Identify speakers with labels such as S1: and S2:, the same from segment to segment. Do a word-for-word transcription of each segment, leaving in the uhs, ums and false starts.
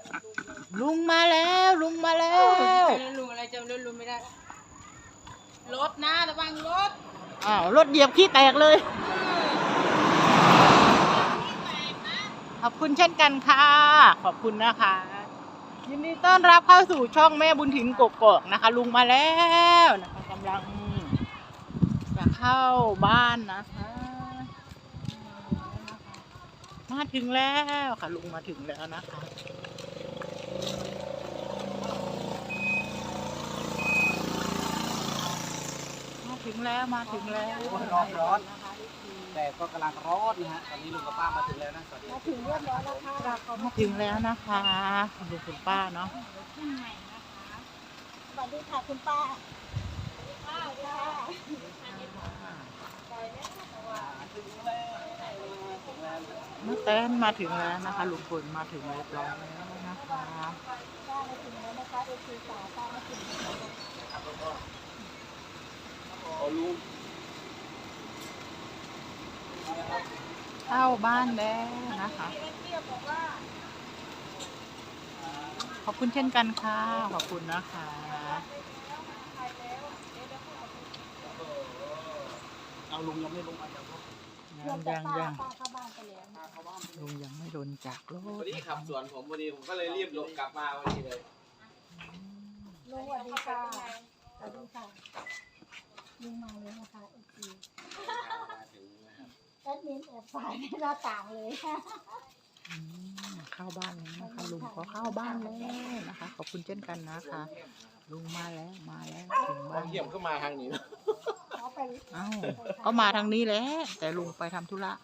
S1: ลุงมาแล้วลุงมาแล้ว
S2: ลุงอะไรจำลุงไม่ได้รถนะระวังรถ
S1: อ้าวรถเหยียบขี้แตกเลยขอบคุณเช่นกันค่ะขอบคุณนะคะยินดีต้อนรับเข้าสู่ช่องแม่บุญถิ่นกกอกนะคะลุงมาแล้วนะคะกำลังจะเข้าบ้านนะคะมาถึงแล้วค่ะลุงมาถึงแล้วนะคะมาถึงแล้วมาถึงแล้ว
S3: ร้อนร้อนแต่ก็กำลังร้อนนะฮะตอนนี้ลุงกับป้ามาถึงแล้วนะสวัสดี
S2: มาถึงเรียบร้อยแล้วค่ะ
S1: มาถึงแล้วนะคะลุงคุณป้าเนาะ
S2: สวัสดีค่ะคุณป้าป้าจ้า
S1: เมื่อแตนมาถึงแล้วนะคะลุงพลมาถึงเรียบร้อยแล้วนะคะ
S2: ป้ามาถึงแล้วนะคะเอซีสาวป้ามาถึงแล้ว
S3: โอ้ลุง
S1: เข้าบ้านแล้วนะคะขอบคุณเช่นกันค่ะขอบคุณนะคะ
S3: เอาลุงยังไม่ลงมาจากรถ
S1: ยังยังยังลุงยังไม่โดนจากรถ
S3: พอดีขับสวนผมพอดีผมก็เลยรีบลงกลับมาพอดีเลย
S2: ลุงสวัสดีค่ะสวัสดีค่ะลุงมาเลยนะคะเอซีแอดมินแอบฝ่ายในหน้าต่างเลยค่ะ
S1: เข้าบ้านแล้วนะคะลุงก็เข้าบ้านแล้วนะคะขอบคุณเช่นกันนะคะลุงมาแล้วมาแล้วถึงบ้าน
S3: เยี่ยมเข้ามาทางนี้นะ
S1: เอ้าก็มาทางนี้แหละแต่ลุงไปทำธุระ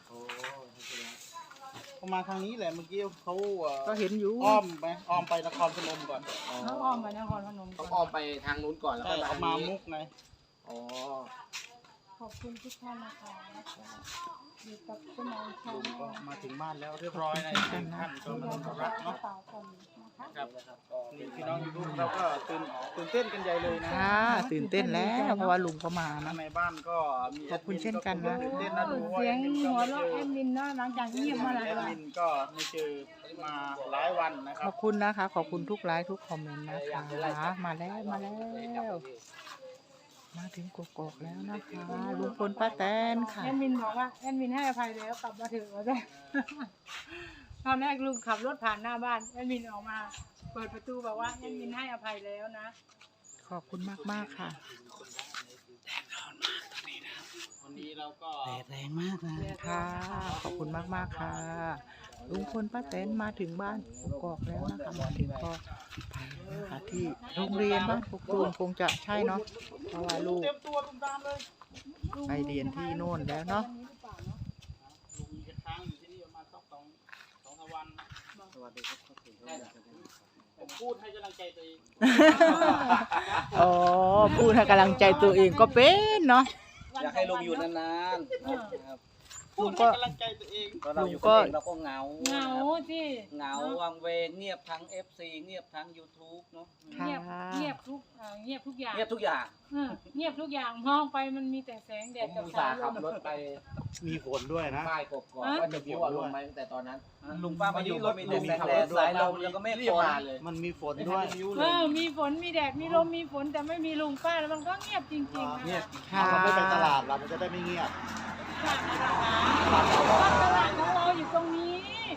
S3: เขามาทางนี้แหละเมื่อกี้เขา
S1: ก็เห็นอยู่
S3: อ้อมไปอ้อมไปนครพนมก่อน
S2: เขาอ้อมไปนครพนม
S3: ต้องอ้อมไปทางนู้นก่อนแล้วก็มามุกไงอ๋อ
S2: ขอบคุณทุกท่านนะคะอยู่กับคุณน้องชาย
S3: ก็มาถึงบ้านแล้วเรียบร้อยในท่านก็มาทำรักเนาะครับนี่พี่น้องยูทูบเราก็ตื่นตื่นเต้นกันใหญ่เลยนะ
S1: ค่ะตื่นเต้นแล้วเพราะว่าลุงก็มานะ
S3: ในบ้านก็มี
S1: ขอบคุณเช่นกันนะ
S3: ตื่นเต้นนะดูว่า
S2: เสียงหัวเราะแอดมินเนาะหลังจากเงียบมาหลายวัน
S3: แอดมินก็ไม่เจอมาหลายวันนะครับ
S1: ขอบคุณนะคะขอบคุณทุกไลค์ทุกคอมเมนต์นะคะมาแล้วมาแล้วมาถึงกกอกแล้วนะคะลุงพลป้าแตนค่ะ
S2: แอดมินบอกว่าแอดมินให้อภัยแล้วกลับมาถึงแล้วได้ตอนแรกลุงขับรถผ่านหน้าบ้านแอดมินออกมาเปิดประตูบอกว่าแอดมินให้อภัยแล้วนะ
S1: ขอบคุณมากมากค่ะ
S3: แดดร้อนมากตอนนี้นะวันนี้เราก็แดดแรงมากนะ
S1: ค่ะขอบคุณมากมากค่ะลุงพลป้าแตนมาถึงบ้านกกอกแล้วนะคะมาถึงก็ไปนะคะที่โรงเรียนบ้านกกอกคงจะใช่เนาะเพราะว่าลูกไปเรียนที่โน่นแล้วเนาะ
S3: ผมพูดให้กำลังใจตัวเอง
S1: อ๋อพูดให้กำลังใจตัวเองก็เป็นเนาะ
S3: อยากให้ลุงอยู่นานๆพูดให้กำลังใจตัวเองเราอยู่ก็เราก็เหงา
S2: เหงาที่
S3: เหงาวังเวงเงียบทั้ง เอฟ ซี เงียบทั้ง ยูทูบ เนาะ
S2: เงียบเงียบทุกเงียบทุกอย่าง
S3: เงียบทุกอย่าง
S2: เงียบทุกอย่างมองไปมันมีแต่แสงแดดกับสายลม
S3: ขับรถไป
S4: มีฝนด้วยนะ
S3: ป้ายกบก่อนว่าจะมีฝนลงไหมแต่ตอนนั้นลุงป้ามาอยู่รถมีแต่แสงแดดสายลมแล้วก็ไม่ฝนเลย
S4: มันมีฝนด้วย
S2: เออมีฝนมีแดดมีลมมีฝนแต่ไม่มีลุงป้าแล้วมันก็เงียบจริงๆ
S4: เงียบเราไม่ไปตลาดเรามันจะได้ไม่เงียบ
S2: ตลาดของเราอยู่ตรงนี้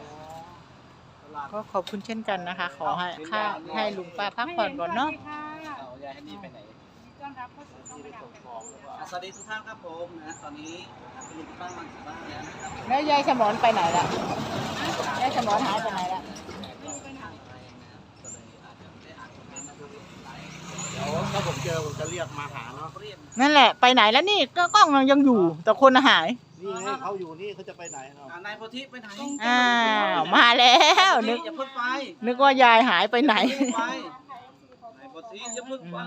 S1: ก็ขอบคุณเช่นกันนะคะขอให้ค่าให้ลุงป้าพักผ่อนก่อนเนาะ
S3: ยายให้นี่ไปไหน
S2: ต้อนรับเข้าสู่ช่องประดับ
S3: สวัสดีทุกท่านครับผมนะตอนนี้ลุงป้ามาถึงบ้านแล้วนะครับ
S1: แล้วยายสมรไปไหนล่ะยายสมรหายไปไหนล่ะ
S4: เดี๋ยวถ้าผมเจอผมจะเรียกมาหาเนาะ
S1: นั่นแหละไปไหนแล้วนี่ก็กล้องยังอยู่แต่คนหาย
S4: นี่ไงเขาอยู่นี่เขาจะไปไหนเนาะ
S3: นายโพธิไปไหน
S1: อ้าวมาแล้วนึกนึกว่ายายหายไปไหน
S3: นายโพธิอย่าเพิ่งไป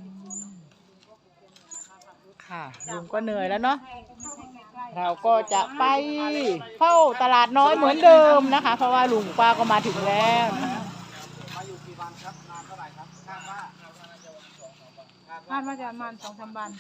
S1: ค่ะลุงก็เหนื่อยแล้วเนาะเราก็จะไปเฝ้าตลาดน้อยเหมือนเดิมนะคะเพราะว่าลุงป้าก็มาถึงแล้ว
S3: มาอยู่กี่วันครับนานเท่าไหร่ครับคาดว่า
S2: คาดว่าจะประมาณสองสามวัน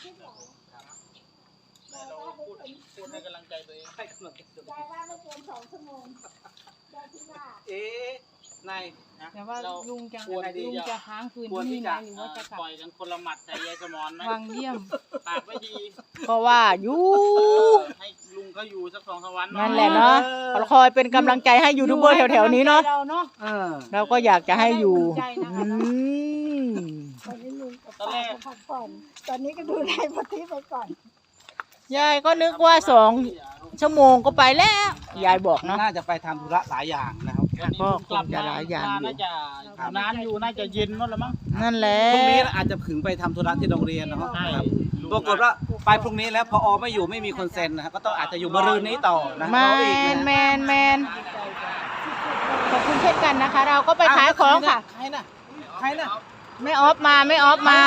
S3: เราพูดพูดให้กำลังใจตัวเองให้กำลังใจตัวเอง
S2: ได้ว่าไม่เกินสองชั่วโมงได้ที่ว่า
S3: เอ๊ะนายนะ
S2: แต่ว่า
S3: เรา
S2: ลุงจะ
S3: ควรที่
S2: ลุง
S3: จะ
S2: จะค้างคืน
S3: ควร
S2: ที่
S3: ที่
S2: นี่ไหม
S3: จะ
S2: หรือว่าจะกลับ
S3: ปล่อยกันคนละหมัดใส่ยายสมอนไหม
S2: วังเยี่ยม
S3: ปากไม่ดี
S1: ก็ว่าอยู่
S3: เออให้ลุงเขาอยู่สักสองสามวัน
S1: นั่นแหละเนาะคอยเป็นกำลังใจให้ยูทูบเบอร์แถวๆนี้เนาะ
S2: เราเนาะ
S3: เออ
S1: เราก็อยากจะให้อยู่
S2: ใจนะคะ
S1: อืม
S5: ตอนนี้ลุงกับ
S3: ตอน
S5: ป้า
S3: แรก
S5: ก็พักผ่อนตอนนี้ก็ดูไลฟ์ปฏิไปก่อน
S1: ยายก็นึกว่าสองชั่วโมงก็ไปแล้ว ยายบอกเนาะ
S3: น่าจะไปทำธุระหลายอย่างนะครับ
S1: ก็คงจะหลายอย่างอยู่
S3: น่าจะน้ำอยู่น่าจะเย็นนู่นละมั้ง
S1: นั่นแหละ
S6: พรุ่งนี้อาจจะถึงไปทำธุระที่โรงเรียนนะครับ
S3: ใช่
S6: ปรากฏว่าไปพรุ่งนี้แล้วพอไม่อยู่ไม่มีคนเซ็นนะครับก็ต้องอาจจะอยู่มะรืนนี้ต่อนะ
S1: แม
S6: รออีก
S1: น
S6: นะ
S1: แมนแมนขอบคุณเช่นกันนะคะ เราก็ไปขายของค่ะ
S6: ใครน่ะใครน่ะ
S1: ไม่ออฟมาไม่ออฟมา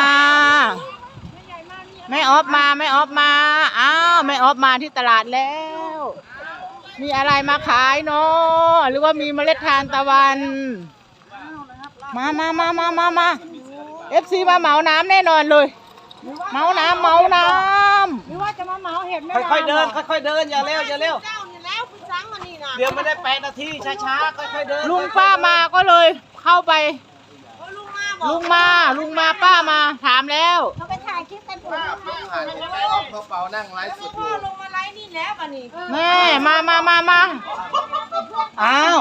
S1: ไม่ออฟมาไม่ออฟมาอ้าวไม่ออฟมาที่ตลาดแล้ว มีอะไรมาขายเนาะหรือว่ามีเมล็ดทานตะวัน มามามามามามาเอฟซีมาเหมาน้ำแน่นอนเลยเหมาน้ำเหมาน้
S2: หรือว่าจะมาเหมาเห็ดไม่
S6: ค่อยๆเดินค่อยๆเดินอย่าเร็วอย่าเร็วเดี๋ยวไม่ได้แปดนาทีช้าๆค่อยๆเดิน
S1: ำลุงป้ามาก็เลยเข้าไปลุงมาลุงมาป้ามาถามแล้ว
S5: เขาไปถ่ายคลิปกันผม
S4: พอเป่านั่งไลฟ์สดอยู่
S1: แม่มามามามา
S6: อ้าว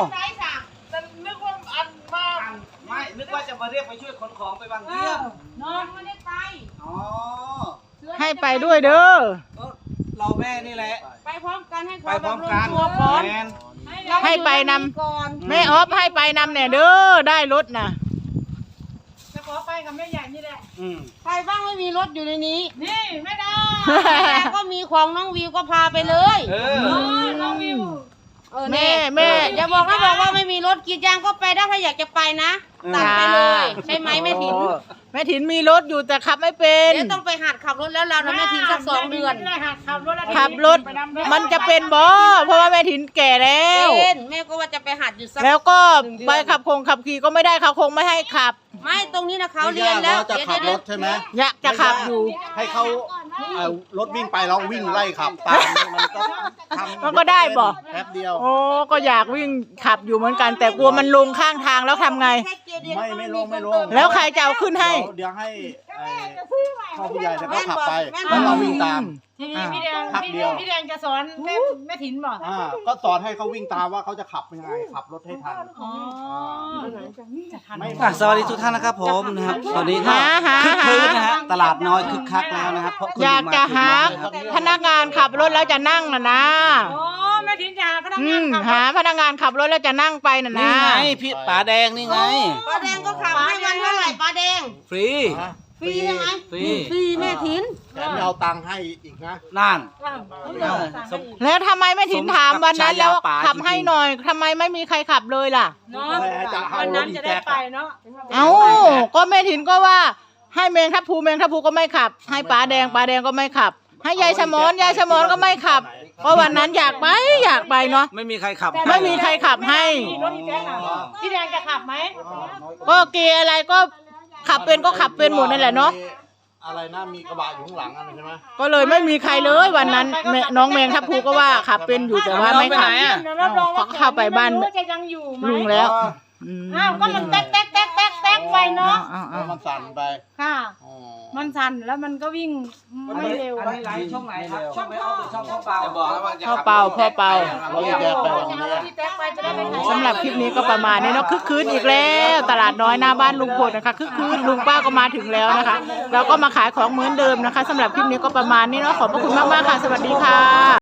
S6: ไม่นึกว่าจะมาเรียกไปช่วยขนของไปบางเยี่ยม
S2: น้องไม่ได้ไป
S6: อ๋อ
S1: ให้ไปด้วยเด้อ
S6: ก็เราแม่นี่แหละ
S2: ไปพร้อมกันให้
S6: ไปพร้อมกัน
S2: ตัวก่อน
S6: แมน
S1: ให้ไปนำแม่ออฟให้ไปนำเนี่ยเด้อได้รถนะ
S2: จะขอไปกับแม่ใหญ่นี่แหละ
S6: อืม
S7: ใครบ้างไม่มีรถอยู่ในนี้
S2: นี่ไม่ได้
S7: แต่ก็มีของน้องวิวก็พาไปเลย
S6: เออ
S2: โอ้ยน้องวิว
S7: เออ
S1: แม่
S7: นี่
S1: แม่
S7: อย่าบอกนะบอกว่าไม่มีรถกรีดยางก็ไปได้ถ้าอยากจะไปนะตัดไปเลย ใช่ไหมแม่ถิน
S1: โอ้แม่ถินมีรถอยู่แต่ขับไม่เป็น
S7: เดี๋ยวต้องไปหัดขับรถแล้วเรานะแม่ถินสักสองเดือน
S2: ไม่ได้หัดขับรถแล้ว
S1: ขับรถมันจะเป็นบ่เพราะว่าแม่ถินแก่แล้ว
S7: เป็นแม่ก็ว่าจะไปหัดอยู่สัก
S1: แล้วก็ไปขับคงขับขี่ก็ไม่ได้เขาคงไม่ให้ขับ
S7: ไม่ตรงนี้นะเขา
S4: ไม่
S7: เรีย
S4: ยาน ก
S7: แล้ว
S4: ว่าจะ
S7: เดี๋ยว
S4: ขับร
S7: เดี๋ยว
S4: ถใช่ไหม
S1: อยากจะขับอยู่
S4: ให้เขาเอารถวิ่งไปแล้ววิ่งไล่ขับตามมันก็ทำ
S1: มันก็ได้บ่
S4: แป๊บเดียว
S1: โอ้ก็อยากวิ่งขับอยู่เหมือนกัน แต่กลัวมันลงข้างทางแล้วทำไง
S7: แค่เกียร์เดียว
S4: ไม่ไม่ลงไม่ลง
S1: แล้วใครจะเอาขึ้นให้
S4: เดี๋ยวเดี๋ยวให้ไอ้พ่อผู้ใหญ่เนี่ยเขาขับไป
S7: แม่น
S4: แล้ว
S7: บอก
S4: เราวิ่งตาม
S2: ทีนี้พี่แดง
S4: พัก
S2: พี่
S4: เดี
S2: แด
S4: ยว
S2: งพี่แดงจะสอนแม่แม่ถินบอก
S4: อ่าก็สอนให้เขาวิ่งตามว่าเขาจะขับยังไงขับรถให้ทัน
S2: อ๋อจะทัน
S4: ไม่
S6: อ่ะสวัสดีทุกท่านนะครับผมนะครับตอนนี้ก็
S1: หาหา
S6: คึกคืน
S1: หา
S6: นะฮะตลาดน้อยคึกคักแล้วนะครับเพราะคุณ
S1: อยากจะหา
S6: ลุงมาถึงแล้วนะครับ
S1: พนักงานขับรถแล้วจะนั่งน่ะนะ
S2: โอ้แม่ถินจะหาพนัก
S1: อื
S2: งาน
S1: ม
S2: ขับ
S1: หาพนักงานขับรถแล้วจะนั่งไปน่ะ
S6: นี่
S1: นะ
S6: ไงพี่ป๋าแดงนี่ไง
S7: ป้าแดงก็ขับให้วันเท่าไหร่ป้าแดง
S6: ฟรี
S7: ฟรีใช่ไหม
S6: ฟรี
S7: ฟรีแม่ถิน
S4: แถมเอาตังค์ให้อีกนะ
S6: นั่น
S2: อ้าว
S6: เออสม
S1: แล้วทำไมไม่ถินถามวันนั้นแล้ว
S6: สมกับฉายาป๋า
S1: ขับ
S6: จริงๆ
S1: ให้หน่อยทำไมไม่มีใครขับเลยล่ะ
S2: เนาะวันนั้นจะได้ไปเนาะ
S1: เอ้าก็แม่ถินก็ว่า ให้เมงทับภูเมงทับภูก็ไม่ขับ ให้ป๋าแดงป๋าแดงก็ไม่ขับ ให้ยายสมอนยายสมอนก็ไม่ขับเพราะวันนั้นอยากไปอยากไปเนาะ
S6: ไม่มีใครขับ
S1: ไม่มีใครขับให้
S2: รถพี่แดงอ่ะพี่แดงจะขับไหม
S1: ก็เกียร์อะไรก็ขับเป็นก็ขับเป็นหมดนั่นแหละเนาะ
S4: อะไรนะมีกระบะอยู่ข้างหลังอะไรใช่ไหม
S1: ก็เลยไม่มีใครเลยวันนั้นแม่น้องแมงทับภูก็ว่าขับเป็นอยู่แต่ว่าไม่ขับ
S2: เดี๋ยวรับรองว่า
S1: เข้าไปบ้าน
S2: ไม่รู้จะยังอยู่ไหม
S1: ลุงแล้วอืม
S2: อ้าวก็มันแต๊กแต๊กแต๊กแต๊กแต๊กไปเนาะ
S1: อ้าว
S4: แล้
S1: อ้าว ว
S4: มันสั่นไป
S2: ค่ะ
S4: อ๋อ
S2: มันสั่นแล้วมันก็วิ่งไม่เร็ว
S6: อันนี้ไลฟ์ช่องไหนครับช่องไม่ออกหรือช่องพ่อเปล่าบอกแล้วว่า
S1: พ่อเป่าพ่อเป่า
S4: เราจะแยกไปวันนี้
S2: พี่แต๊กไปจะได้ไปไหน
S1: สำหรับคลิปนี้ก็ประมาณนี้เนาะคึกคืนอีกแล้ว ตลาดน้อยหน้าบ้านลุงพลนะคะคึกคืนลุงป้าก็มาถึงแล้วนะคะเราก็มาขายของเหมือนเดิมนะคะสำหรับคลิปนี้ก็ประมาณนี้เนาะขอบพระคุณมากๆค่ะสวัสดีค่ะ